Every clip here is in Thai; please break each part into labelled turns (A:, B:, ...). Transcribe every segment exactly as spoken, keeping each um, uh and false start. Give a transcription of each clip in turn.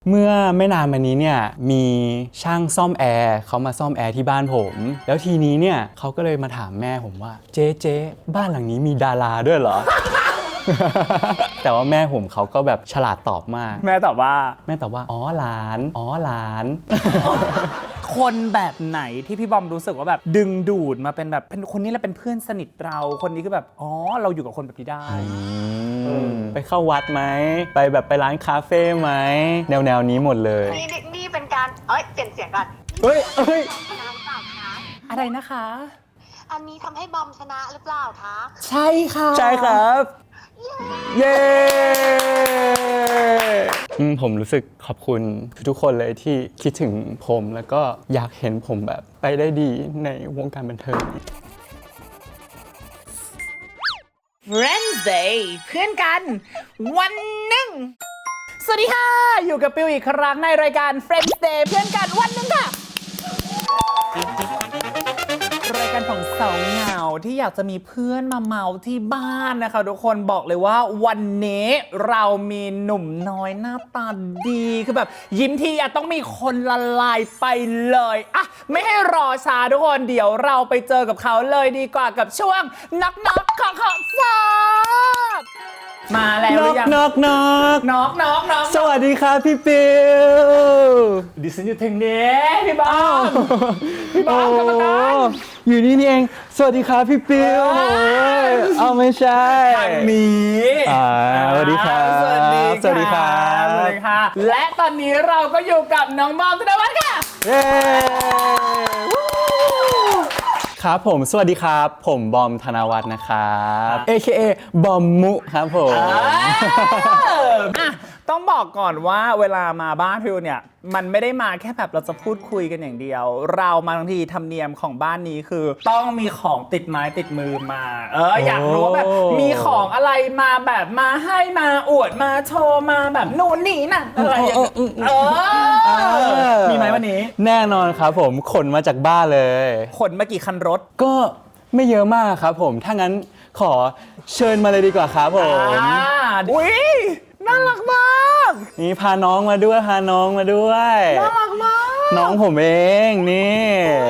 A: เมื่อไม่นานมานี้เนี่ยมีช่างซ่อมแอร์เขามาซ่อมแอร์ที่บ้านผมแล้วทีนี้เนี่ยเขาก็เลยมาถามแม่ผมว่าเจ๊เจ๊บ้านหลังนี้มีดาราด้วยเหรอ แต่ว่าแม่ผมเขาก็แบบฉลาดตอบมาก
B: แม่ตอบว่า
A: แม่ตอบว่าอ๋อหลานอ๋อหลาน
B: คนแบบไหนที่พี่บอมรู้สึกว่าแบบดึงดูดมาเป็นแบบเป็นคนนี้แหละเป็นเพื่อนสนิทเราคนนี้ก็แบบอ๋อเราอยู่กับคนแบบนี้ได้
A: ไปเข้าวัดไหมไปแบบไปร้านคาเฟ่ไหมแนวแนวนี้หมดเลย
C: นี่นี่เป็นการเอ้ยเปลี่ยนเสียงก่อน
A: เฮ้ยเฮ้ย
C: น้ำเปล่าคะ
B: อะไรนะคะ
C: อันนี้ทำให้บอมชนะหรือเปล่าคะ
B: ใช่ค่ะ
A: ใช่ครับเย้ผมรู้สึกขอบคุณทุกคนเลยที่คิดถึงผมแล้วก็อยากเห็นผมแบบไปได้ดีในวงการบันเทิง
B: Wednesday เพื่อนกันวันหนึ่งสวัสดีค่ะอยู่กับปิวอีกครั้งในรายการ Wednesday เพื่อนกันวันหนึ่งค่ะรายการของสาวเหงาที่อยากจะมีเพื่อนมาเมาที่บ้านนะคะทุกคนบอกเลยว่าวันนี้เรามีหนุ่มน้อยหน้าตาดีคือแบบยิ้มทีอะต้องมีคนละลายไปเลยอะไม่ให้รอช้าทุกคนเดี๋ยวเราไปเจอกับเขาเลยดีกว่ากับช่วงนักนักของขอสอบมาแล้วหรือยัง
A: น็อกน็อก
B: น็อกน็อกน็อก
A: สวัสดีครับพี่ปิว
B: ดิฉันอยู่ทางนี้พี่บอมพี่บอมกรรมการ
A: อยู่นี่นี่เองสวัสดีครับพี่ปิวเอาไม่ใช่
B: ทางนี้
A: สวัสดีครับ
B: สวัสดี
A: สวัสดีครับ
B: สวัสดีค่ะและตอนนี้เราก็อยู่กับน้องบอมธนวัฒน์ค่ะ
A: เย้ครับผมสวัสดีครับผมบอมธนวัฒน์นะครับ เอ เค เอ บอมมุครับผม
B: อ่ะต้องบอกก่อนว่าเวลามาบ้านพิวเนี่ยมันไม่ได้มาแค่แบบเราจะพูดคุยกันอย่างเดียวเรามาทั้งทีธรรมเนียมของบ้านนี้คือต้องมีของติดไม้ติดมือมาเอออยากรู้แบบมีของอะไรมาแบบมาให้มาอวดมาโชว์มาแบบนู่นนี่นั่นอะไรอย่างเงี้ยเออมีไหมวันนี้
A: แน่นอนครับผมขนมาจากบ้านเลย
B: ขนมากี่คันรถ
A: ก็ไม่เยอะมากครับผมถ้างั้นขอเชิญมาเลยดีกว่าครับผม
B: อุ้ยน่ารักมาก
A: นี่พาน้องมาด้วยพาน้องมาด้วย
B: น่ารักมาก
A: น้องผมเองนี่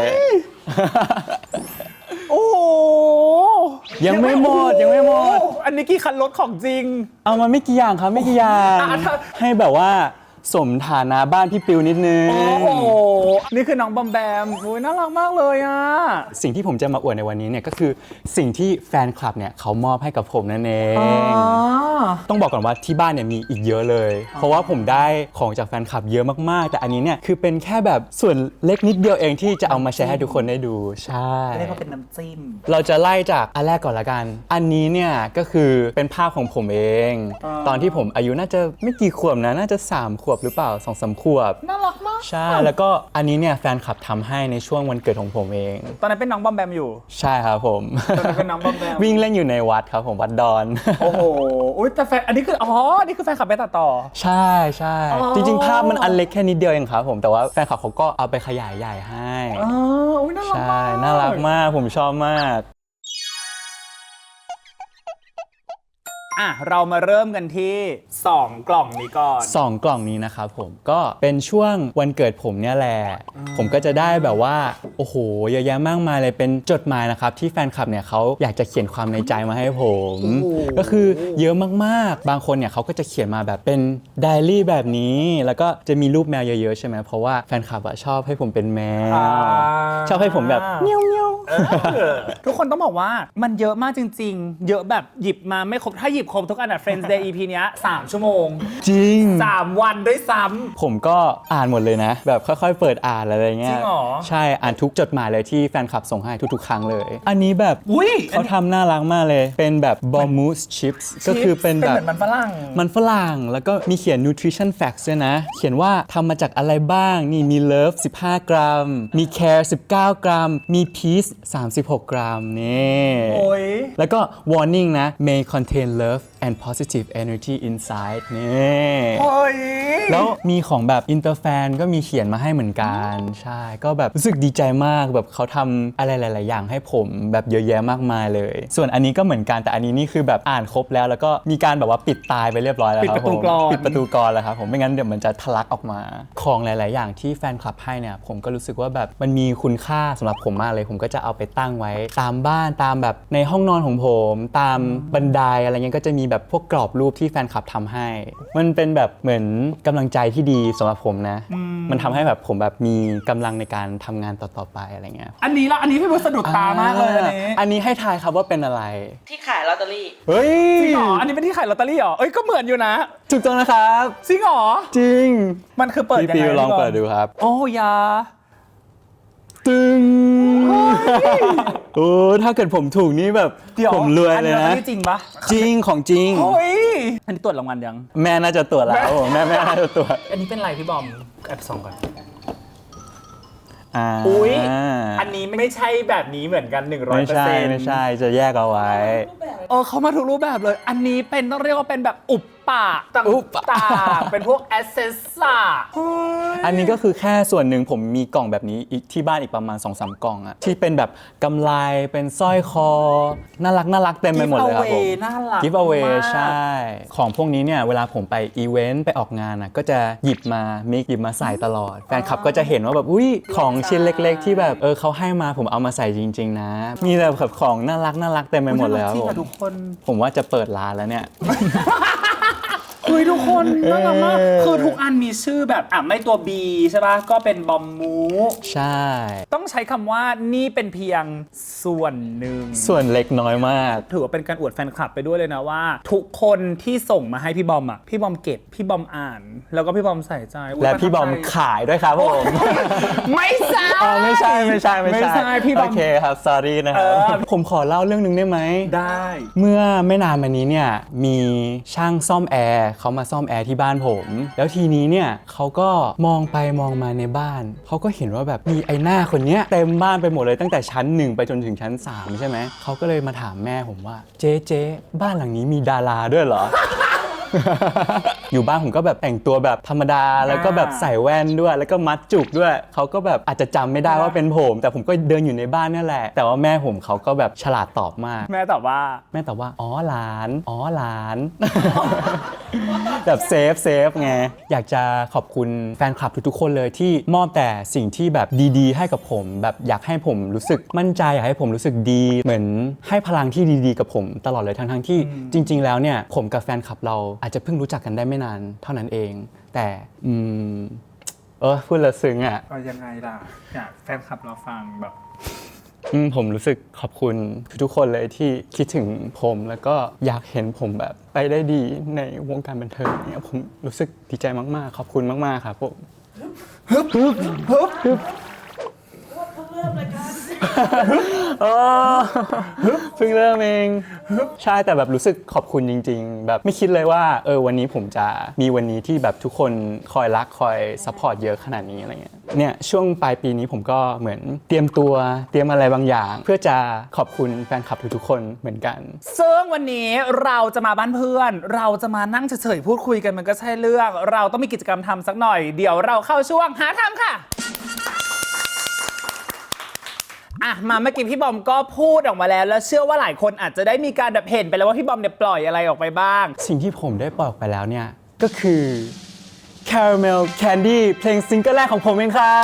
B: โอ้
A: ยังไม่หมดยังไม่หมด
B: อันนี้กี่คันรถของจริง
A: เอามาไม่กี่อย่างครับไม่กี่อย่างให้แบบว่าสมฐานะบ้านพี่ปิวนิดนึง
B: โอ้โหนี่คือน้องบอมแบมโอ้ยน่ารักมากเลยอ่ะ
A: สิ่งที่ผมจะมาอวดในวันนี้เนี่ยก็คือสิ่งที่แฟนคลับเนี่ยเขามอบให้กับผมนั่นเองต้องบอกก่อนว่าที่บ้านเนี่ยมีอีกเยอะเลยเพราะว่าผมได้ของจากแฟนคลับเยอะมากๆแต่อันนี้เนี่ยคือเป็นแค่แบบส่วนเล็กนิดเดียวเองที่จะเอามาแชร์ให้ทุกคนได้ดูใช่
B: เรียกว่าเป็นน้ำจิ้ม
A: เราจะไล่จากอันแรกก่อนละกันอันนี้เนี่ยก็คือเป็นภาพของผมเองตอนที่ผมอายุน่าจะไม่กี่ขวบนะน่าจะสามขวบหรือเปล่า สองสาม ขวบ
B: น่ารักมาก
A: ใช่แล้วก็อันนี้เนี่ยแฟนคลับทำให้ในช่วงวันเกิดของผมเอง
B: ตอนนั้นเป็นน้องบอมแบมอยู่
A: ใช่ครับผม
B: ตอนนั้นเป็นน้องบอมแบม
A: วิ่งเล่นอยู่ในวัดครับผมวัดดอน
B: โอ้โหอุ้ยแต่แฟนอันนี้คืออ๋อนี่คือแฟนคลับไปตัดต่อ
A: ใช่ใช่จริงๆภาพมันอันเล็กแค่นิดเดียวเองครับผมแต่ว่าแฟนคลับเขาก็เอาไปขยายใหญ่ให้
B: อ๋ออุ้ยน่ารักมาก
A: ใช่น่ารักมากผมชอบมาก
B: อ่ะเรามาเริ่มกันที่สองกล่องนี้ก่อน
A: สองกล่องนี้นะครับผมก็เป็นช่วงวันเกิดผมเนี่ยแหละผมก็จะได้แบบว่าโอ้โหเยอะแยะมากมายเลยเป็นจดหมายนะครับที่แฟนคลับเนี่ยเขาอยากจะเขียนความในใจมาให้ผมก็คือเยอะมากๆบางคนเนี่ยเขาก็จะเขียนมาแบบเป็นไดอารี่แบบนี้แล้วก็จะมีรูปแมวเยอะๆใช่ไหมเพราะว่าแฟนคลับอะชอบให้ผมเป็นแมวชอบให้ผมแบบเมียวเมียว
B: ทุกคนต้องบอกว่ามันเยอะมากจริงๆเยอะแบบหยิบมาไม่ครบถ้าหยิบครบทุกอันอะ Friends Day อี พี เนี้ยสามชั่วโมง
A: จริง
B: สามวันด้วยซ้ำ
A: ผมก็อ่านหมดเลยนะแบบค่อยๆเปิดอ่านอะไรเงี้ย
B: จริงเหรอ
A: ใช่อ่านทุกจดหมายเลยที่แฟนคลับส่งให้ทุกๆครั้งเลยอันนี้แบบ
B: อุ้ย
A: เขาทำน่ารักมากเลยเป็นแบบ Bomus Chips ก็คือเป็นแบบ
B: มันฝรั่ง
A: มันฝรั่งแล้วก็มีเขียน nutrition facts ด้วยนะเขียนว่าทำมาจากอะไรบ้างนี่มี love สิบห้ากรัมมี care สิบเก้ากรัมมี peace สามสิบหกกรัมนี่
B: โอ้ย
A: แล้วก็ warning นะ may contain love and positive energy inside นี่
B: เฮ้ย
A: แล้วมีของแบบอินเตอร์แฟนก็มีเขียนมาให้เหมือนกันใช่ก็แบบรู้สึกดีใจมากแบบเขาทำอะไรหลาย ๆ อย่างให้ผมแบบเยอะแยะมากมายเลย ส่วนอันนี้ก็เหมือนกันแต่อันนี้นี่คือแบบอ่านครบแล้วแล้วก็มีการแบบว่าปิดตายไปเรียบร้อยแล้วครับ
B: ปิดประตู
A: ผม
B: กลอน
A: ปิดประตูกลอนแล้วครับผมไม่งั้นเดี๋ยวมันจะทะลักออกมาของหลาย ๆ อย่างที่แฟนคลับให้เนี่ยผมก็รู้สึกว่าแบบมันมีคุณค่าสำหรับผมมากเลยผมก็จะเอาไปตั้งไว้ตามบ้านตามแบบในห้องนอนของผมตามบันไดอะไรเงี้ยก็จะมีแบบพวกกรอบรูปที่แฟนคลับทำให้ มันเป็นแบบเหมือนกำลังใจที่ดีสำหรับผมนะ มันทำให้แบบผมแบบมีกำลังในการทำงานต่อ ๆ ไปอะไรเงี้ย
B: อันนี้ละอันนี้พี่บุ๊คสะดุดตามากเลยอันนี้
A: อันนี้ให้ทายครับว่าเป็นอะไร
D: ที่ขายลอตเตอรี่
A: เฮ้ย
B: จริงเหรออันนี้เป็นที่ขายลอตเตอรี่เหรอเอ้ยก็เหมือนอยู่นะ
A: ถูกต้องนะครับ
B: จริงเหรอ
A: จริง
B: มันคือเปิด
A: พี่
B: ยัง
A: ปิ
B: ไง
A: วลอง
B: พี่บม
A: เปิดดูครับ
B: โอ้ยา
A: ตึงโอ้ถ้าเกิดผมถูกนี่แบบ
B: เดี๋ยว
A: ผมรวยเลย
B: อั
A: นะ
B: นี้จริงปะ
A: จริงของจริง
B: โอ้ยอันนี้ตรวจรางวัลยัง
A: แม่น่าจะตรวจแล้วผมแม่แม่น่าจะตรวจ
B: อันนี้เป็นอะไรพี่บอมแอบส่องก่อน
A: อ่า
B: อุ้ยอันนี้ไม่ใช่แบบนี้เหมือนกัน หนึ่งร้อย
A: ไม่
B: เปอร์
A: ใช่
B: เซ็นต์
A: ไม่ใช่จะแยกเอาไว้
B: เออเขามาทุกรูปแบบเลย อันนี้เป็นต้องเรียกว่าเป็นแบบอุปปะต
A: อุปปะ
B: ่างๆเป็นพวกแอสเซสซ่า
A: อันนี้ก็คือแค่ส่วนหนึ่งผมมีกล่องแบบนี้อีกที่บ้านอีกประมาณ สองสาม กล่องอะที่เป็นแบบกำไลเป็นสร้อยคอน่ารักน่ารักเต็มไปหมดเลยครับผม
B: น่ารัก
A: กิฟต์เอาเว
B: มาก
A: ใช่ ของพวกนี้เนี่ยเวลาผมไปอีเวนต์ไปออกงานอะก็จะหยิบมามิกหยิบมาใส่ตลอด แฟนคลับก็จะเห็นว่าแบบอุ้ยของชิ้นเล็กๆ ที่แบบเออเขาให้มาผมเอามาใส่จริง ๆ นะ มีแต่แบบของน่ารักน่ารักเต็มไปหมดเลยครับ
B: จริง
A: ผม
B: อะทุกคน
A: ผมว่าจะเปิดร้านแล้วเนี่ย
B: เฮ้ยทุกคนน่ารักมาก
A: เออ
B: คือทุกอันมีชื่อแบบอ่ะไม่ตัว B ใช่ป่ะก็เป็นบอมมู
A: ใช่
B: ต้องใช้คำว่านี่เป็นเพียงส่วนหนึ่ง
A: ส่วนเล็กน้อยมาก
B: ถือว่าเป็นการอวดแฟนคลับไปด้วยเลยนะว่า ทุกคนที่ส่งมาให้พี่บอมอ่ะพี่บอมเก็บพี่บอมอ่าน แล้วก็พี่บอมใส่ใจอุ๊ย
A: และพี่บอม
B: ประทับใจ
A: ขายด้วยครับผม
B: ไม่ใช่
A: อ๋อไม่ใช่ไม่ใช่ไม่
B: ไม่
A: ใช่
B: ใช่พี่บอม
A: โอเคครับ sorry นะครับ
B: เออ
A: ผมขอเล่าเรื่องหนึงได้ไหม
B: ได้
A: เมื่อไม่นานมานี้เนี่ยมีช่างซ่อมแอร์เขามาซ่อมแอร์ที่บ้านผม แล้วทีนี้เนี่ยเขาก็มองไปมองมาในบ้านเขาก็เห็นว่าแบบมีไอ้หน้าคนเนี้ยเต็มบ้านไปหมดเลยตั้งแต่ชั้นหนึ่งไปจนถึงชั้นสามใช่ไหมเขาก็เลยมาถามแม่ผมว่าเจ๊เจ๊บ้านหลังนี้มีดาราด้วยเหรอ อยู่บ้านผมก็แบบแต่งตัวแบบธรรมดาแล้วก็แบบใส่แว่นด้วยแล้วก็มัดจุกด้วยเขาก็แบบอาจจะจำไม่ได้ว่าเป็นผม แต่ผมก็เดินอยู่ในบ้านนี่แหละ แต่ว่าแม่ผมเขาก็แบบฉลาดตอบมาก
B: แม่ตอบว่า
A: แม่ตอบว่าอ๋อหลานอ๋อหลาน แบบเซฟเซฟไงอยากจะขอบคุณแฟนคลับทุกๆคนเลยที่มอบแต่สิ่งที่แบบดีๆ ให้กับผม แบบอยากให้ผมรู้สึกมั่นใจอยากให้ผมรู้สึกดี เหมือนให้พลังที่ดีๆกับผมตลอดเลยทั้งๆที่จริง ๆ แล้วเนี่ยผมกับแฟนคลับเราอาจจะเพิ่งรู้จักกันได้ไม่นานเท่านั้นเอง แต่อืมเออพูดแล้วซึ้งอ่ะ
B: เอายังไงล่ะอยากแฟนคลับเราฟังแบบ
A: อืมผมรู้สึกขอบคุณทุกๆคนเลยที่คิดถึงผมแล้วก็อยากเห็นผมแบบไปได้ดีในวงการบันเทิงเนี่ยผมรู้สึกดีใจมากๆขอบคุณมากๆครับผมฮึบฮึบฮึบฮึบเพิ่งเริ่มเองใช่แต่แบบรู้สึกขอบคุณจริงๆแบบไม่คิดเลยว่าเออวันนี้ผมจะมีวันนี้ที่แบบทุกคนคอยรักคอยซัพพอร์ตเยอะขนาดนี้อะไรเงี้ยเนี่ยช่วงปลายปีนี้ผมก็เหมือนเตรียมตัวเตรียมอะไรบางอย่าง เพื่อจะขอบคุณแฟนคลับทุกๆคนเหมือนกัน
B: ซึ่งวันนี้เราจะมาบ้านเพื่อน เราจะมานั่งเฉยๆพูดคุยกันมันก็ใช่เรื่อง เราต้องมีกิจกรรมทำสักหน่อย เดี๋ยวเราเข้าช่วงหาทำค่ะอ่ะมาเมื่อกี้พี่บอมก็พูดออกมาแล้วแล้วเชื่อว่าหลายคนอาจจะได้มีการแบบเห็นไปแล้วว่าพี่บอมเนี่ยปล่อยอะไรออกไปบ้าง
A: สิ่งที่ผมได้ปล่อยออกไปแล้วเนี่ยก็คือ Caramel Candy เพลงซิงเกิลแรกของผมเองครับ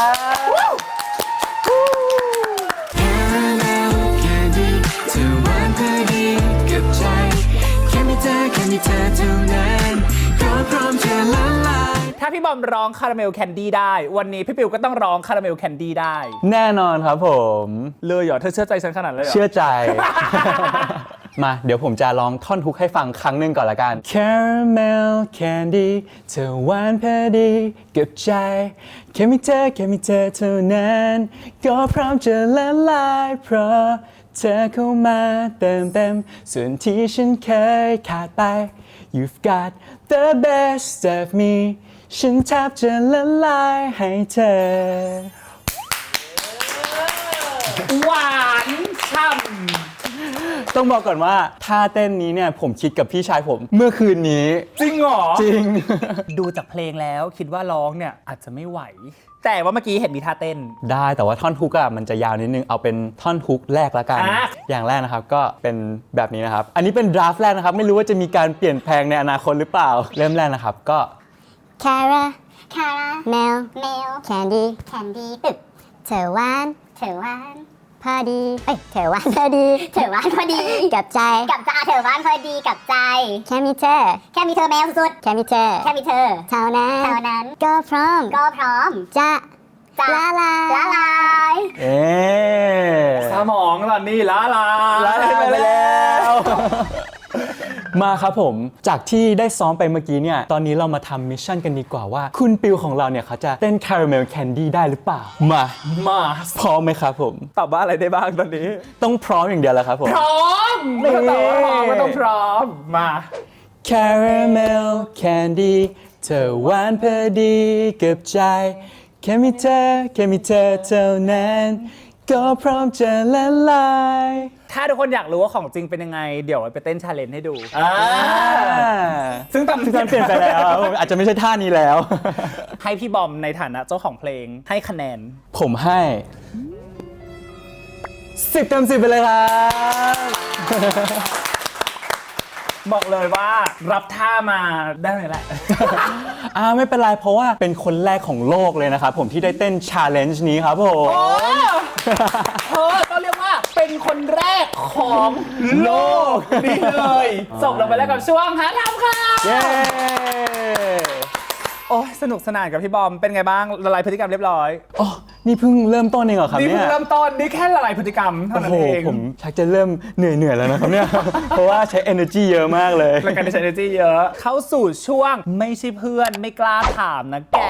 E: Caramel Candy เธอหวานพอดีกับใจแค่มีเธอแค่มีเธอเท่านั้นก็พร้อมจะละลาย
B: ถ้าพี่บอมร้องคาราเมลแคนดี้ได้วันนี้พี่ปิวก็ต้องร้องคาราเมลแคนดี้ได้
A: แน่นอนครับผม
B: เลยเหรอเธอเชื่อใจฉันขนาดนั้นเลยเหรอ
A: เชื่อใจ มาเดี๋ยวผมจะลองท่อนฮุกให้ฟังครั้งหนึ่งก่อนละกัน Caramel Candy เธอหวานพอดีกับใจแค่มีเธอแค่มีเธอเท่านั้นก็พร้อมจะละลายเพราะเธอเข้ามาเติมเต็มส่วนที่ฉันเคยขาดไป You've got the best of me ฉันแทบจะละลายให้เธอ
B: หวานฉ่ำ
A: ต้องบอกก่อนว่าท่าเต้นนี้เนี่ยผมคิดกับพี่ชายผมเมื่อคืนนี้
B: จริงเหรอ
A: จริง
B: ดูจากเพลงแล้วคิดว่าร้องเนี่ยอาจจะไม่ไหว แต่ว่าเมื่อกี้เห็นมีท่าเต้น
A: ได้แต่ว่าท่อนฮุกอะมันจะยาวนิดนึงเอาเป็นท่อนฮุกแรกละกัน
B: อ่ะ
A: อย่างแรกนะครับก็เป็นแบบนี้นะครับอันนี้เป็นดราฟต์แรกนะครับไม่รู้ว่าจะมีการเปลี่ยนแปลงในอนาคตหรือเปล่าเริ่มแรกนะครับก็
D: Cara
C: คารา
D: Mel
C: เมล
D: Candy
C: แคนดี้ตึก
D: เธอหวาน
C: เถอวาน
D: พอดีเอ้ยเธอหวานพอดี
C: เถอวานพอดี
D: กับใจ
C: กับใจเถอวานพอดีกับใจ
D: แค่มีเธอ
C: แค่มีเธอแมวสุด
D: แค่มีเธอ
C: ๆแค่มีเธอ
D: เท่านั้น
C: เท่านั้น
D: ก็พร้อม
C: ก็พร้อม
D: จะ
C: จะ
D: ละลาย
C: ละลาย
A: เอ๊ะ
B: สมองตอนนี้ละลาย
A: ลาไปแล้ว มาครับผมจากที่ได้ซ้อมไปเมื่อกี้เนี่ยตอนนี้เรามาทำมิชชั่นกันดีกว่าว่า คุณปิวของเราเนี่ยเขาจะเต้นคาราเมลแคนดี้ได้หรือเปล่ามา
B: มา
A: พร้อมไหมครับผม
B: ตอบว่าอะไรได้บ้างตอนนี้
A: ต้องพร้อมอย่างเดียวแล้วครับผม
B: พร้อมไม่ต้องตอบว่าพร้อมก็ต้องพร้อมมา
A: Caramel Candy เธอหวานพอดีกับใจแค่มีเธอแค่มีเธอเท่านั้นก็พร้อมจะละลาย
B: ถ้าทุกคนอยากรู้ว่าของจริงเป็นยังไง เดี๋ยวไปเต้นชาเลนจ์ให้ดู
A: อ่า
B: ซึ่งตอน
A: ซึ่งตอนเปลี่ยนไปแล้วอาจจะไม่ใช่ท่านี้แล้ว
B: ให้พี่บอมในฐานะเจ้าของเพลงให้คะแนน
A: ผมให้สิบเต็มสิบไปเลยครับ
B: บอกเลยว่ารับท่ามาได้ไหมล่ะ
A: อ่าไม่เป็นไรเพราะว่าเป็นคนแรกของโลกเลยนะครับผมที่ได้เต้นชาเลนจ์นี้ครับผม
B: เธอต้องเรียกว่าเป็นคนแรกของโลกนี่เลยจบลงไปแล้วกับช่วงหาทำค่ะ
A: เย้
B: โอ้ยสนุกสนานกับพี่บอมเป็นไงบ้างละลายพฤติกรรมเรียบร้อย
A: อ๋อนี่เพิ่งเริ่มต้นเองเหรอครับ
B: นี่
A: เนี่
B: เพิ่ง
A: ย
B: เริ่มต้นนี่แค่ละลายพฤติกรรมเท่า
A: โอ้
B: นั้น
A: โห
B: เอง
A: ผมชักจะเริ่มเหนื่อยเหนื่อยๆแล้วนะครับเนี่ย เพราะว่าใช้ energy เยอะมากเลย
B: รายการที่ใช้ energy เยอะ เข้าสู่ช่วงไม่ใช่เพื่อนไม่กล้าถามนะแก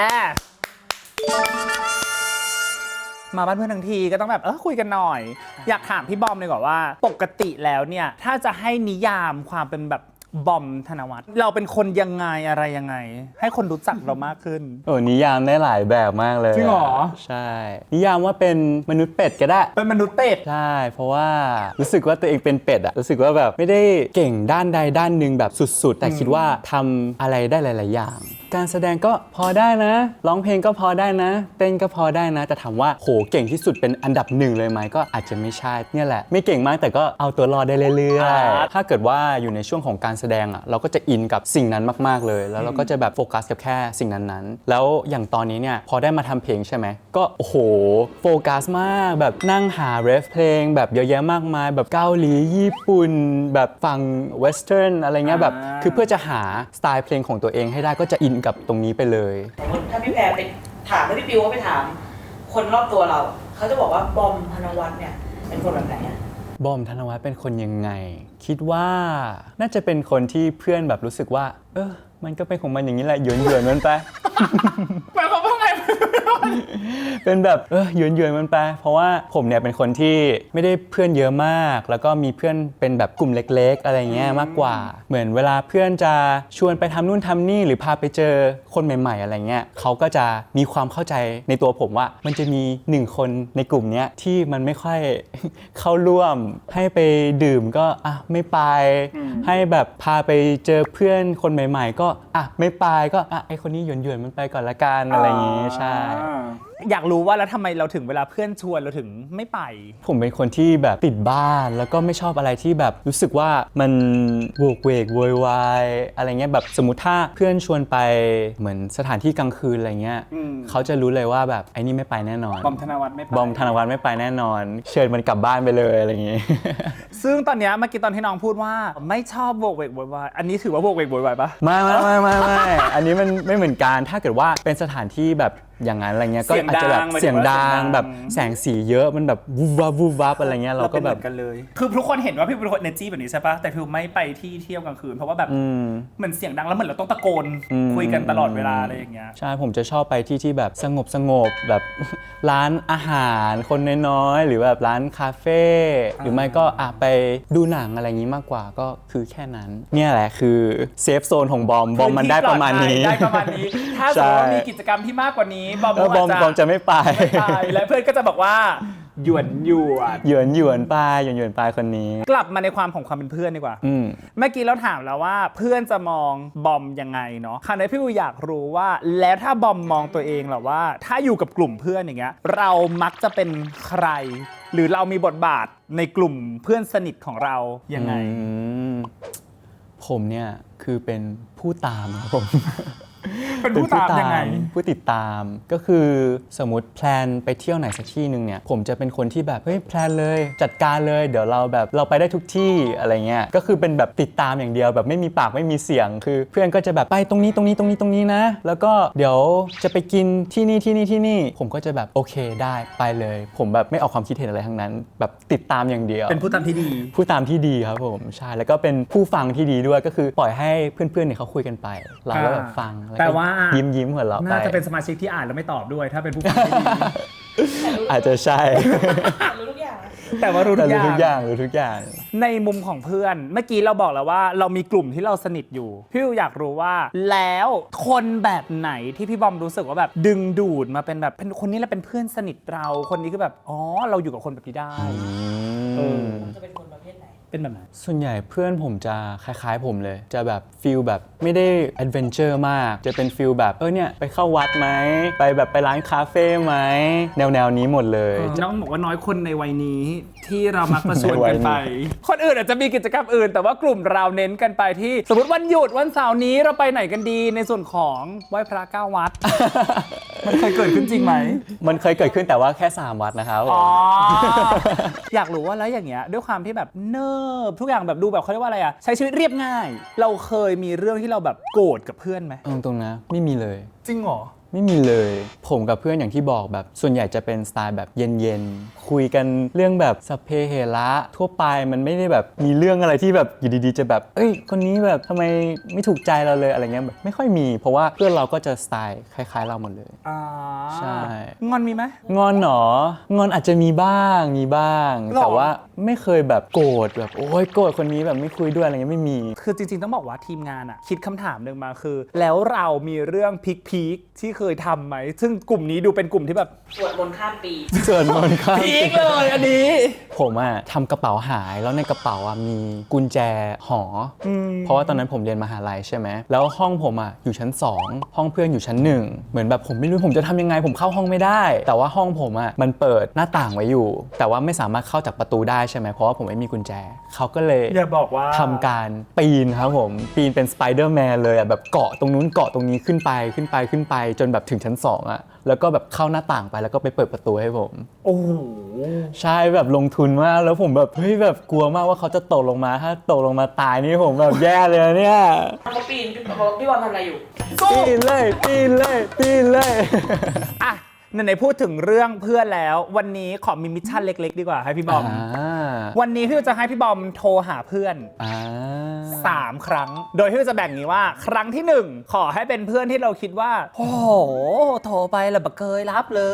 B: มาบ้านเพื่อนทั้งทีก็ต้องแบบเออคุยกันหน่อย อยากถามพี่บอมเลยก่อนว่า ปกติแล้วเนี่ยถ้าจะให้นิยามความเป็นแบบบอมธนวัฒน์เราเป็นคนยังไงอะไรยังไง ให้คนรู้จักเรามากขึ้น
A: โอ้นิยามได้หลายแบบมากเลย
B: จริงเหรอ
A: ใช่ นิยามว่าเป็นมนุษย์เป็ดก็ได้
B: เป็นมนุษย์เป็ด
A: ใช่ เพราะว่ารู้สึกว่าตัวเองเป็นเป็ดอะรู้สึกว่าแบบไม่ได้เก่งด้านใดด้านหนึ่งแบบสุดๆ แต่คิดว่าทำอะไรได้หลาย ๆ อย่าง การแสดงก็พอได้นะ ร้องเพลงก็พอได้นะ เต้นก็พอได้นะ แต่ถามว่าโหเก่งที่สุดเป็นอันดับหนึ่งเลยไหมก็อาจจะไม่ใช่เนี่ยแหละ ไม่เก่งมากแต่ก็เอาตัวรอดได้เรื่อยๆ ถ้าเกิดว่าอยู่ในช่วงของการแสดงอะเราก็จะอินกับสิ่งนั้นมากๆเลย แล้วเราก็จะแบบโฟกัสกับแค่สิ่งนั้นๆ แล้วอย่างตอนนี้เนี่ยพอได้มาทำเพลงใช่ไหมก็โอ้โหโฟกัสมากแบบนั่งหาเรฟเพลงแบบเยอะแยะมากมาย แบบเกาหลีญี่ปุ่น แบบฟังเวสเทิร์นอะไรเงี้ยแบบ
B: อ่า
A: คือเพื่อจะหาสไตล์เพลงของตัวเองให้ได้ก็จะอินกับตรงนี้ไปเลย
F: สมมติถ้าพี่แพรไปถามถ้าพี่ปิวว่าไปถาม คนรอบตัวเรา เขาจะบอกว่าบอมธนวัฒน์เนี่ยเป็นคนแบบไหนอะ
A: บอมธนวัฒน์เป็นคนยังไง คิดว่าน่าจะเป็นคนที่เพื่อนแบบรู้สึกว่า เออมันก็เป็นของมันอย่างนี้แหละหยวนหยวนๆมันไป
B: หมายความว่าไง
A: เป็นแบบเออหยวนหยวนๆมันไป เพราะว่าผมเนี่ยเป็นคนที่ไม่ได้เพื่อนเยอะมาก แล้วก็มีเพื่อนเป็นแบบกลุ่มเล็กๆ อะไรเงี้ยมากกว่า เหมือนเวลาเพื่อนจะชวนไปทำนู่นทำนี่หรือพาไปเจอคนใหม่ๆ อะไรเงี้ยเขาก็จะมีความเข้าใจในตัวผมว่า มันจะมีหนึ่งคนในกลุ่มเนี้ยที่มันไม่ค่อย เข้าร่วมให้ไปดื่มก็อ่ะไม่ไป ให้แบบพาไปเจอเพื่อนคนใหม่ ๆ ก็อ่ะไม่ไปก็อ่ะไอคนนี้หยวนหยวนๆมันไปก่อนละกันอะไรอย่างงี้ใช่
B: อยากรู้ว่าแล้วทำไมเราถึงเวลาเพื่อนชวนเราถึงไม่ไป
A: ผมเป็นคนที่แบบติดบ้านแล้วก็ไม่ชอบอะไรที่แบบรู้สึกว่ามันโวกเวกโวยวายอะไรเงี้ยแบบสมมติถ้าเพื่อนชวนไปเหมือนสถานที่กลางคืนอะไรเงี้ย
B: อืม
A: เขาจะรู้เลยว่าแบบไอ้นี่ไม่ไปแน่นอน
B: บอมธนวัฒน์ไม่ไป
A: บอมธนวัฒน์ไม่ไปแน่นอน เชิญมันกลับบ้านไปเลยอะไรอย่างงี้
B: ซึ่งตอนเนี้ยเมื่อกี้ตอนที่น้องพูดว่าไม่ชอบโวกเวกโวยวายอันนี้ถือว่าโวกเวกโวยวายปะ
A: ไม่ไม่ไม่ไม่ไม่อันนี้มันไม่เหมือนกันถ้าเกิดว่าเป็นสถานที่แบบอย่างนั้นอะไรเงี้ยก็อาจจะแบบเสียงดังแบบแสงสีเยอะมันแบบวูบวับวูบวับอะไรเงี้ยเราก็แบบ
B: ป็นหมือนกันเลย คือทุกคนเห็นว่าพี่เป็นคนเนจี้แบบนี้ใช่ปะแต่พี่ไม่ไปที่เที่ยวกลางคืนเพราะว่าแบบ
A: อืม
B: เหมือนเสียงดังแล้วเหมือนเราต้องตะโกน
A: อืม
B: คุยกันตลอดเวลาอะไรอย่างเงี้ย
A: ใช่ผมจะชอบไปที่ที่แบบสงบสงบแบบ ร้านอาหารคนน้อยๆหรือแบบร้านคาเฟ่หรือไม่ก็อ่ะไปดูหนังอะไรอย่างงี้มากกว่าก็คือแค่นั้น เนี่ยแหละคือเซฟโซนของบอมบอมมันได้ประมาณนี้
B: ได้ประมาณนี้ ถ้าสมมติว่ามีกิจกรรมที่มากกว่านี้บอม
A: แล้วบอม
B: อาจจะ
A: บอมจะไม่ไป
B: ไม่ไปและเพื่อนก็จะบอกว่าหยวนหยวน
A: หยวนหยวนปลายหยวนหยวนปลายคนนี้
B: กลับมาในความของความเป็นเพื่อนดีกว่า
A: อืม
B: เมื่อกี้เราถามแล้วว่าเพื่อนจะมองบอมยังไงเนาะคราวนี้พี่วิวอยากรู้ว่าแล้วถ้าบอมมองตัวเองเหรอว่า ถ้าอยู่กับกลุ่มเพื่อนอย่างเงี้ยเรามักจะเป็นใคร หรือเรามีบทบาทในกลุ่มเพื่อนสนิทของเรายังไง
A: อืมผมเนี่ยคือเป็นผู้ตามครับผม
B: เป็นผู้ตามยังไง
A: ผู้ติดตามก็คือสมมติแพลนไปเที่ยวไหนสักที่หนึ่งเนี่ยผมจะเป็นคนที่แบบเฮ้ยแพลนเลยจัดการเลยเดี๋ยวเราแบบเราไปได้ทุกที่อะไรเงี้ยก็คือเป็นแบบติดตามอย่างเดียวแบบไม่มีปากไม่มีเสียงคือเพื่อนก็จะแบบไปตรงนี้ตรงนี้ตรงนี้ตรงนี้นะแล้วก็เดี๋ยวจะไปกินที่นี่ที่นี่ที่นี่ผมก็จะแบบโอเคได้ไปเลย ผมแบบไม่ออกความคิดเห็นอะไรทั้งนั้น แบบติดตามอย่างเดียว
B: เป็นผู้ตามที่ดี
A: ผู้ตามที่ดีครับผมใช่แล้วก็เป็นผู้ฟังที่ดีด้วยก็คือปล่อยให้เพื่อนๆเนี่ยเขาคุยกันไป เราก็แบบฟังแล้ว
B: แปล
A: ก็
B: ว่า
A: ยิ้มยิ้มหัวเราะไป
B: น่าจะเป็นสมาชิกที่อ่านแล้วไม่ตอบด้วย ถ้าเป็นผู้ฟังที่ดี
A: อาจจะใช่
F: รู้ทุกอย่างนะ
B: แต่ว่ารู้
A: แต่
B: ทุกอ
A: รู้
B: ย่า
A: ทุกอย่าง งรู้ทุกอย่าง
B: ในมุมของเพื่อน เมื่อกี้เราบอกแล้วว่าเรามีกลุ่มที่เราสนิทอยู่พี่วิวอยากรู้ว่า แล้วคนแบบไหนที่พี่บอมรู้สึกว่าแบบดึงดูดมาเป็นแบบเป็นคนนี้แหละเป็นเพื่อนสนิทเราคนนี้คือแบบอ๋อเราอยู่กับคนแบบนี้ได้ เออ
F: จะเป็นคนประเภทไหน
B: เป็นแบบไหน
A: ส่วนใหญ่เพื่อนผมจะคล้ายๆผมเลย จะแบบฟิลแบบไม่ได้แอดเวนเจอร์มาก จะเป็นฟิลแบบเออเนี่ยไปเข้าวัดไหมไปแบบไปร้านคาเฟ่ไหมแนวๆนี้หมดเลย
B: น้องบอกว่าน้อยคนในวัยนี้ที่เรามักมาชวน
A: ในวั
B: กั
A: ย
B: น
A: นี้
B: ไป คนอื่นอาจจะมีกิจกรรมอื่น แต่ว่ากลุ่มเราเน้นกันไปที่สมมติวันหยุดวันเสาร์นี้เราไปไหนกันดีในส่วนของไหว้พระเก้าวัด มันเคยเกิดขึ้นจริงไหม
A: มันเคยเกิดขึ้นแต่ว่าแค่สามวัดนะครับผม
B: อ๋อ อยากรู้ว่าแล้วอย่างเงี้ยด้วยความที่แบบเนิบทุกอย่างแบบดูแบบเขาเรียกว่าอะไรอะใช้ชีวิตเรียบง่าย เราเคยมีเรื่องที่เราแบบโกรธกับเพื่อนไหม
A: เอาตรงๆนะไม่มีเลย
B: จริงเหรอ
A: ไม่มีเลย ผมกับเพื่อนอย่างที่บอกแบบส่วนใหญ่จะเป็นสไตล์แบบเย็นๆ คุยกันเรื่องแบบสัพเพเหระทั่วไปมันไม่ได้แบบมีเรื่องอะไรที่แบบอยู่ดีๆ จะแบบเอ้ยคนนี้แบบทำไมไม่ถูกใจเราเลยอะไรเงี้ยแบบไม่ค่อยมีเพราะว่าเพื่อนเราก็จะสไตล์คล้ายๆเราหมดเลย
B: อ่า
A: ใช่
B: งอนมีไหม
A: งอนหนองอนอาจจะมีบ้างมีบ้าง
B: หรอ
A: แต่ว่าไม่เคยแบบโกรธแบบโอ้ยโกรธคนนี้แบบไม่คุยด้วยอะไรเงี้ยไม่มี
B: คือจริงๆต้องบอกว่าทีมงานอะคิดคำถามหนึ่งมาคือ แล้วเรามีเรื่องพีคๆที่เคยทำไหมซึ่งกลุ่มนี้ดูเป็นกลุ่มที่แบบ
F: สวดมนต์ข้ามปี
A: ส่วนมนต์ครับ
B: พีคเลยอันนี้
A: ผมอะทำกระเป๋าหายแล้วในกระเป๋าอะมีกุญแจหออ
B: ม
A: เพราะว่าตอนนั้นผมเรียนมหาลัยใช่ไหมแล้วห้องผมอะอยู่ชั้นสองห้องเพื่อนอยู่ชั้นหนึ่งเหมือนแบบผมไม่รู้ผมจะทำยังไงผมเข้าห้องไม่ได้ แต่ว่าห้องผมอะมันเปิดหน้าต่างไว้อยู่ แต่ว่าไม่สามารถเข้าจากประตูได้ใช่ไหมเพราะว่าผมไม่มีกุญแจเขาก็เลย
B: อย่าบอกว่า
A: ทำการปีนครับผมปีนเป็นสไปเดอร์แมนเลยอะแบบเกาะตรงนู้นเกาะตรงนี้ขึ้นไปขึ้นไปขึ้นไปจนแบบถึงชั้นสองอะแล้วก็แบบเข้าหน้าต่างไปแล้วก็ไปเปิดประตูให้ผม
B: โอ้โห
A: ใช่แบบลงทุนมากแล้วผมแบบเฮ้ยแบบกลัวมากว่าเขาจะตกลงมาถ้าตกลงมาตายนี่ผมแบบแย่เลยนะเนี่ย
F: เขาปีนพี่บอกพี่บอลทำอะไรอยู่
A: ปีนเลยปีนเลยปีนเลย
B: อ่ะไหนๆพูดถึงเรื่องเพื่อนแล้ว วันนี้ขอมีมิชชั่นเล็กๆ ดีกว่าให้พี่บอม
A: อ่า
B: วันนี้พี่จะให้พี่บอมโทรหาเพื่อน
A: อ่า
B: สามครั้ง โดยที่จะแบ่งนี้ว่า ครั้งที่หนึ่งขอให้เป็นเพื่อนที่เราคิดว่า โอ้โห โทรไปแล้วบักเกยรับเลย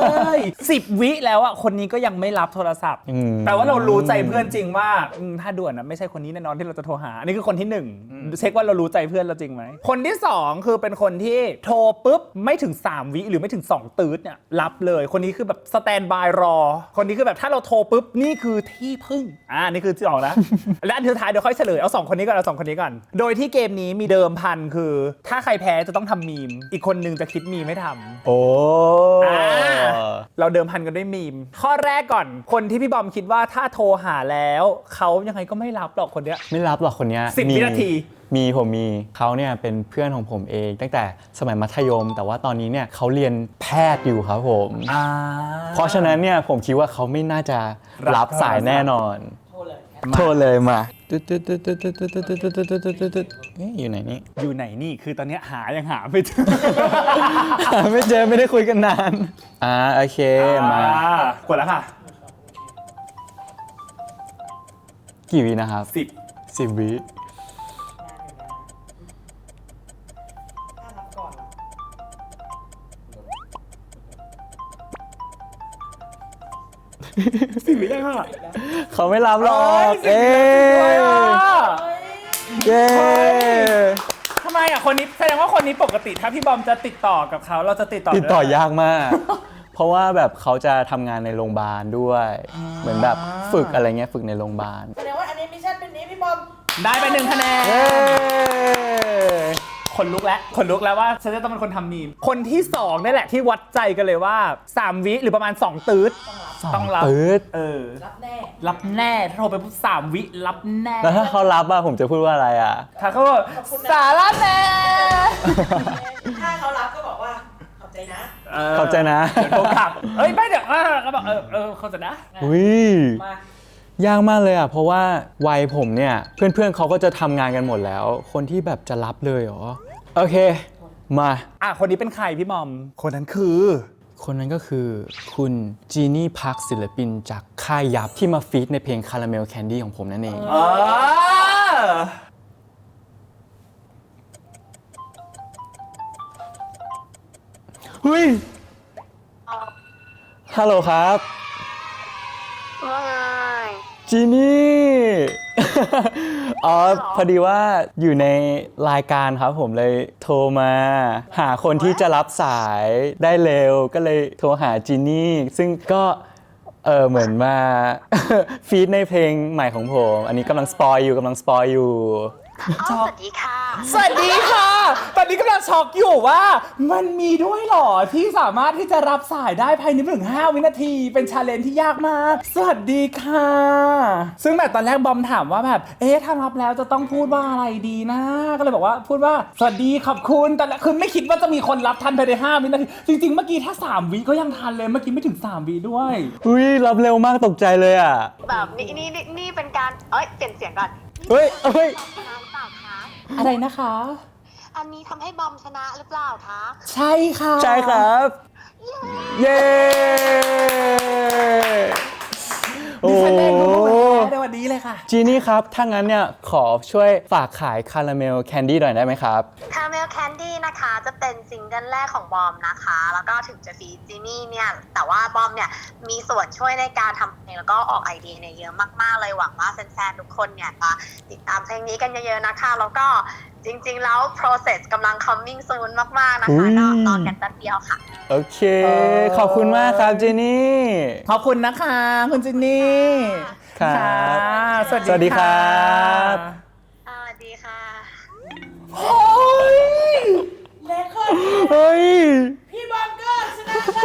B: สิบวิแล้วอ่ะคนนี้ก็ยังไม่รับโทรศัพท์
A: อืม
B: แต่ว่าเรารู้ใจเพื่อนจริงว่าอืมถ้าด่วนนะไม่ใช่คนนี้แน่นอนที่เราจะโทรหาอันนี้คือคนที่หนึ่งเช็คว่าเรารู้ใจเพื่อนเราจริงไหมคนที่สองคือเป็นคนที่โทรปุ๊บไม่ถึงสามวิหรือไม่ถึงสองตืดเนี่ยรับเลยคนนี้คือแบบสแตนบายรอคนนี้คือแบบถ้าเราโทรปุ๊บนี่คือที่พึ่งอ่านี่คือที่สองแล้ว และอันสุดท้ายเดี๋ยวค่อยเฉลยเอาสองคนนี้ก่อนเอาสองคนนี้ก่อนโดยที่เกมนี้มีเดิมพันคือ ถ้าใครแพ้จะต้องทำมีมอีกคนนึงจะคิดมีมไม่ทำ
A: โอ้
B: อ่าเราเดิมพันกันด้วยมีม ข้อแรกก่อน คนที่พี่บอมคิดว่าถ้าโทรหาแล้วเขายังไงก็ไม่รับหรอกคนเนี้ย
A: ไม่รับหรอกคนเนี้ย
B: สิบ
A: มี
B: วินาที
A: มีผมมีเขาเนี่ยเป็นเพื่อนของผมเองตั้งแต่สมัยมัธยม แต่ว่าตอนนี้เนี่ยเขาเรียนแพทย์อยู่ครับผม
B: อ่า
A: เพราะฉะนั้นเนี่ยผมคิดว่าเขาไม่น่าจะรับสายแน่นอน
F: โทรเลย
A: โทรเลยมาตึ๊ดตึ๊ดตึ๊ดตึ๊ดตึ๊ดตึ๊ดตึ๊ดตึ๊ดตึ๊ดตึ๊ดตึ๊ดตึ๊ดตึ๊ดเอ๊ะอยู่ไหนนี่
B: อยู่ไหนนี่คือตอนเนี้ยหายังหาไม่เจอ
A: หาไม่เจอไม่ได้คุยกันนานอ่าโอเคมา
B: อ่กดแล้วค่ะ
A: กี่วินะครับ
B: สิบ
A: สิบวิ
F: ถ้ารับก่อนล่ะ
B: สิบวิยังค่ะ
A: เขาไม่รับหรอก
B: เอ้
A: เอ๊
B: ย
A: เย้
B: ทำไมอ่ะคนนี้แสดงว่าคนนี้ปกติถ้าพี่บอมจะติดต่อกับเขาเราจะติดต่อ
A: ติดต่อยากมาก ผเพราะว่าแบบเขาจะทำงานในโรงพยาบาลด้วย เหมือนแบบฝึกอะไรเงี้ยฝึกในโรงพยาบาล
F: แสดงว่าอันนี้มิชชั่นเป็นนี้พี่บอม
B: ได้ไปหนึ่งคะแนน
A: เย้
B: คนลุกแล้วคนลุกแล้วว่าฉันจะต้องเป็นคนทำมีมคนที่สองนี่แหละที่วัดใจกันเลยว่าสามวิหรือประมาณสองตืดต้องรับ
A: ตืด
B: เออ
F: รับแน่
B: รับแน่ถ้าโทรไปปุ๊บสามวิรับแน่
A: แล้วถ้าเขารับอะผมจะพูดว่าอะไรอะ
B: ถ้าเขาบอกสาระแน่
F: ถ้าเขารับก็บอกว่าขอบใจนะ
A: ขอบใจนะ
B: เดี๋ยวโทรกลับเอ้ยไม่เดี๋ยวเออก็บอกเออเออเขาใจะนะ
A: อุ้ย
F: มาย
A: ากมากเลยอ่ะ เพราะว่าวัยผมเนี่ย เพื่อนๆเขาก็จะทำงานกันหมดแล้ว คนที่แบบจะรับเลยเหรอ โอเค มา
B: อ่ะคนนี้เป็นใครพี่มอม คนนั้นคือ
A: คนนั้นก็คือคุณจีนี่พักศิลปินจากค่ายยับที่มาฟีดในเพลง Caramel Candy ของผมนั่นเอง
B: เออ
A: เฮ้ย ฮัลโหลครับ
D: ว่าไง
A: จีนี่ อ๋อ พอดีว่าอยู่ในรายการครับผมเลยโทรมา หาคนที่จะรับสายได้เร็ว ก็เลยโทรหาจีนี่ ซึ่งก็เออเหมือนมา ฟีดในเพลงใหม่ของผม อันนี้กำลังสปอยอยู่กำลังสปอยอยู่
D: สวัสดีค่ะ
B: สวัสดีค่ะ ตอนนี้กำลังช็อกอยู่ว่ามันมีด้วยเหรอที่สามารถที่จะรับสายได้ภายในไม่ถึงห้าวินาที เป็นชาเลนจ์ที่ยากมาก สวัสดีค่ะ ซึ่งแบบตอนแรกบอมถามว่าแบบเอ๊ะถ้ารับแล้วจะต้องพูดว่าอะไรดีนะ ก็เลยบอกว่าพูดว่าสวัสดีขอบคุณแต่ละคือไม่คิดว่าจะมีคนรับทันภายในห้าวินาที จริงๆเมื่อกี้ถ้าสามวิก็ยังทันเลยเมื่อกี้ไม่ถึงสามวิด้วย
A: อุ้ยรับเร็วมากตกใจเลยอ่ะ
D: แบบนี่นี่นี่นี่เป็นการ เอ้ย เปลี่ยนเสียงก่อน
A: เฮ้ยเฮ้ย
D: ชนะหรือเปล่าคะ
B: อะไรนะคะ
D: อันนี้ทำให้บอมชนะหรือเปล่าคะ
B: ใช่ค่ะ
A: ใช่ครับ เย้ โอ้
B: ดิ
A: โห
B: ฉันเองรู้แล้วในวันนี้เลยค่ะ
A: จีนี่ครับ ถ้างั้นเนี่ย ขอช่วยฝากขายคาราเมลแคนดี้หน่อยได้ไหมครับ
D: Caramel Candy นะคะจะเป็นซิงเกิลแรกของบอมนะคะ แล้วก็ถึงจะฟีจีนี่เนี่ย แต่ว่าบอมเนี่ยมีส่วนช่วยในการทำเพลงแล้วก็ออกไอเดียเนี่ยเยอะมากๆเลยหวังว่าแฟนๆทุกคนเนี่ยจะติดตามเพลงนี้กันเยอะๆนะคะ แล้วก็จริงๆแล้ว process กำลัง coming soon มากๆนะคะก็รอกันแป๊บเดียวค่ะ
A: โอเค ขอบคุณมากครับจีนี่
B: ขอบคุณนะคะคุณจินนี่
A: ครับ
B: ค่ะสวัสดี
A: สวัสดีครับ
D: สวัสดีค่ะ
B: โอ้ย
F: แรงขึ้น
A: เฮ้ย
F: พี่บอมก็ชนะค่ะ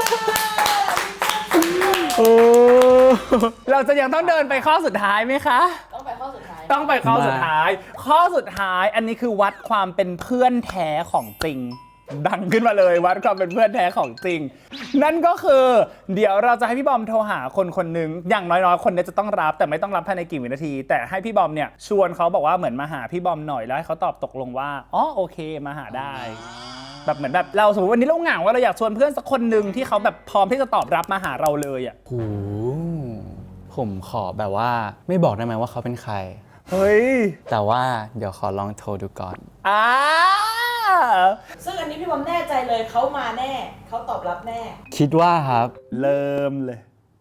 A: โอ้
B: เราจะยังต้องเดินไปข้อสุดท้ายไหมคะ
F: ต้องไปข้อสุดท้าย
B: ต้องไปข้อสุดท้าย ข้อสุดท้ายอันนี้คือวัดความเป็นเพื่อนแท้ของจริง ดังขึ้นมาเลยวัดความเป็นเพื่อนแท้ของจริง นั่นก็คือ เดี๋ยวเราจะให้พี่บอมโทรหาคนคนหนึ่งอย่างน้อยๆ คนเนี้จะต้องรับแต่ไม่ต้องรับภายในกี่วินาที แต่ให้พี่บอมเนี่ยชวนเขาบอกว่าเหมือนมาหาพี่บอมหน่อยแล้วให้เขาตอบตกลงว่าอ๋อโอเคมาหาได้ แบบเหมือนแบบเราสมมติวันนี้เราเหงาว่าเราอยากชวนเพื่อนสักคนหนึ่งที่เขาแบบพร้อมที่จะตอบรับมาหาเราเลยอ่ะ
A: โหผมขอแบบว่าไม่บอกได้ไหมว่าเขาเป็นใคร
B: เฮ้ย
A: แต่ว่าเดี๋ยวขอลองโทรดูก่อน
B: อ่า
F: ซึ่งอันนี้พี่บอมแน่ใจเลยเขามาแน่ เขาตอบรับแน่
A: คิดว่าครับ
B: เริ่มเลย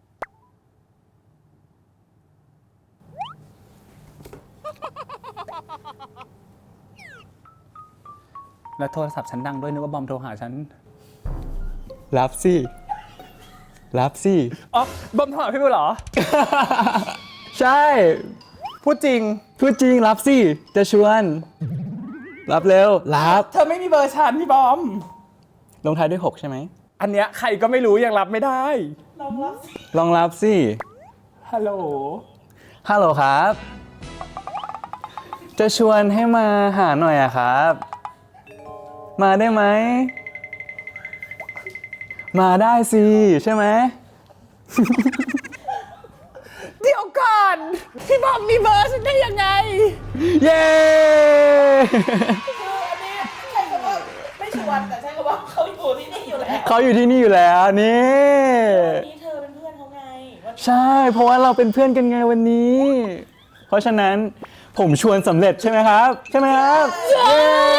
B: แล้วโทรศัพท์ฉันดังด้วยนึกว่าบอมโทรหาฉัน
A: รับสิ รับสิ
B: อ๋อบอมโทรหาพี่บุญเหรอ
A: ใช่
B: พูดจริง
A: พูดจริงรับสิ จะชวน รับเร็ว รับ
B: เธอไม่มีเบอร์ฉันพี่บอม
A: ลงท้ายด้วยหกใช่ไหม
B: อันเนี้ยใครก็ไม่รู้ยังรับไม่ได้
F: ลองรับสิ
A: ลองรับสิ
B: ฮัลโหล
A: ฮัลโหลครับ จะชวนให้มาหาหน่อยอะครับ มาได้ไหม มาได้สิ ใช่ไหม
B: เดี๋ยวก่อน พี่บอมมีเบอร์ฉันได้ยังไง
A: เย้
F: คืออันนี้ใช้คำว่าไม่ชวนแต่ใช้คำว่าเขาอยู่ที่นี่อยู่แล้ว
A: เขาอยู่ที่นี่อยู่แล้วนี่
F: วันนี้เธอเป็นเพื่อนเขาไงวัน
A: ใช่ เพราะว่าเราเป็นเพื่อนกันไงวันนี้ เพราะฉะนั้นผมชวนสำเร็จใช่ไหมครับ ใช่ไหมครับเย้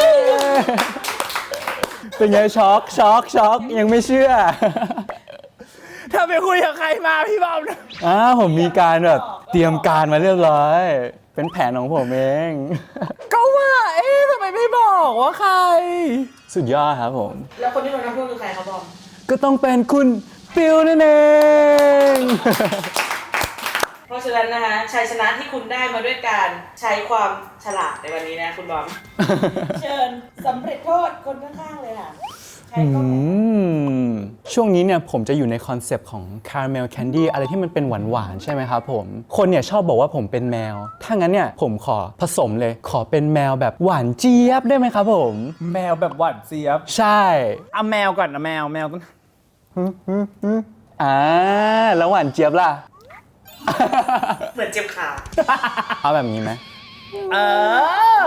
A: เป็นไงช็อกช็อกช็อกยังไม่เชื่อ
B: เธอไปคุยกับใครมาพี่บอม
A: อ้าวผมมีการแบบเตรียมการมาเรียบร้อย เป็นแผนของผมเอง
B: ก็ว่า เอ๊ะทำไมไม่บอกว่าใคร
A: สุดยอดครับผม
F: แล้วคนที่โดนน้ำท่วมคือใครครับบอม
A: ก็ต้องเป็นคุณปิวนั่นเอง
F: เพราะฉะนั้นนะคะชัยชนะที่คุณได้มาด้วยการใช้ความฉลาดในวันนี้นะคุณบอม เชิญสำเร็จโทษคนข้างๆเลยค่ะใช้ก็
A: อืมช่วงนี้เนี่ยผมจะอยู่ในคอนเซปต์ของ caramel candy อะไรที่มันเป็นหวานๆใช่ไหมครับผม คนเนี่ยชอบบอกว่าผมเป็นแมว ถ้างั้นเนี่ยผมขอผสมเลย ขอเป็นแมวแบบหวานเจี๊ยบได้ไหมครับผม
B: แมวแบบหวานเจี๊ยบ
A: ใช่
B: เอาแมวก่อนนะแมวแมวต้อง
A: อ่าแล้วหวานเจี๊ยบล่ะ
F: เหมือนเจ็บขา
A: เอาแบบนี้ไหม
B: เออ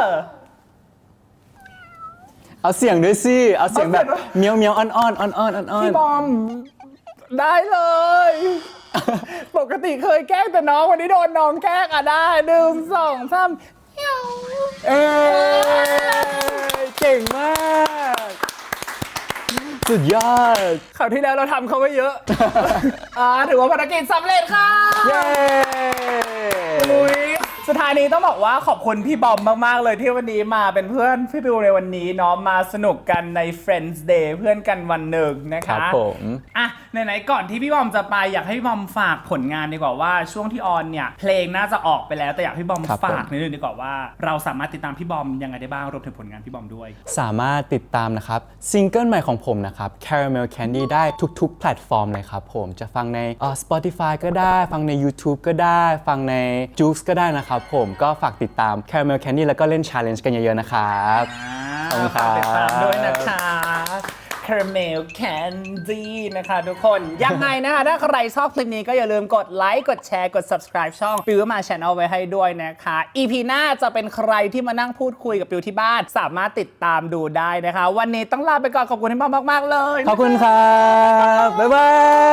A: เอาเสียงด้วยสิ เอาเสียงแบบเมียวเมียวๆอ่อนๆอ่อนๆอ่อนๆอ่อน
B: พี่บอมได้เลย ปกติเคยแกล้งแต่น้องวันนี้โดนน้องแกล้งอ่ะได้หนึ่งสองสาม
A: เอ้ยเก่งมาก สุดยอด
B: คราวที่แล้วเราทำเขาไว้เยอะ อ่าถือว่าภารกิจสำเร็จค่ะ
A: เย้
B: อุ๊ยสุดท้ายนี้ต้องบอกว่าขอบคุณพี่บอมมากๆเลยที่วันนี้มาเป็นเพื่อนพี่บิวในวันนี้เนาะมาสนุกกันใน Friends Day เพื่อนกันวันหนึ่งนะ
A: ครั
B: คะ
A: บผม
B: อ่ะไหนๆก่อนที่พี่บอมจะไปอยากให้พี่บอมฝากผลงานดีกว่าว่าช่วงที่ออนเนี่ยเพลงน่าจะออกไปแล้วแต่อยากให้พี่บอม
A: ครับผม
B: ฝากนิดนึงดีกว่าว่าเราสามารถติดตามพี่บอมยังไงได้บ้างรวมถึงผลงานพี่บอมด้วย
A: สามารถติดตามนะครับซิงเกิลใหม่ของผมนะครับ Caramel Candy ได้ทุกๆ แพลตฟอร์มเลยครับผมจะฟังในเอ่อ Spotify ก็ได้ฟังใน YouTube ก็ได้ ฟังใน Joox ก็ได้นะครับผมก็ฝากติดตาม Caramel Candy แล้วก็เล่น Challenge กันเยอะๆนะครับ ขอบคุณครับ
B: ฝากติดตามด้วยนะคะ Caramel Candy นะคะทุกคน ยังไงนะคะถ้าใครชอบคลิปนี้ก็อย่าลืมกดไลค์กดแชร์กด subscribe ช่องปิวมา Channel ไว้ให้ด้วยนะคะ อี พี หน้าจะเป็นใครที่มานั่งพูดคุยกับปิวที่บ้าน สามารถติดตามดูได้นะคะ วันนี้ต้องลาไปก่อนขอบคุณที่มามากๆเลย
A: ขอบคุณครับ บ๊ายบาย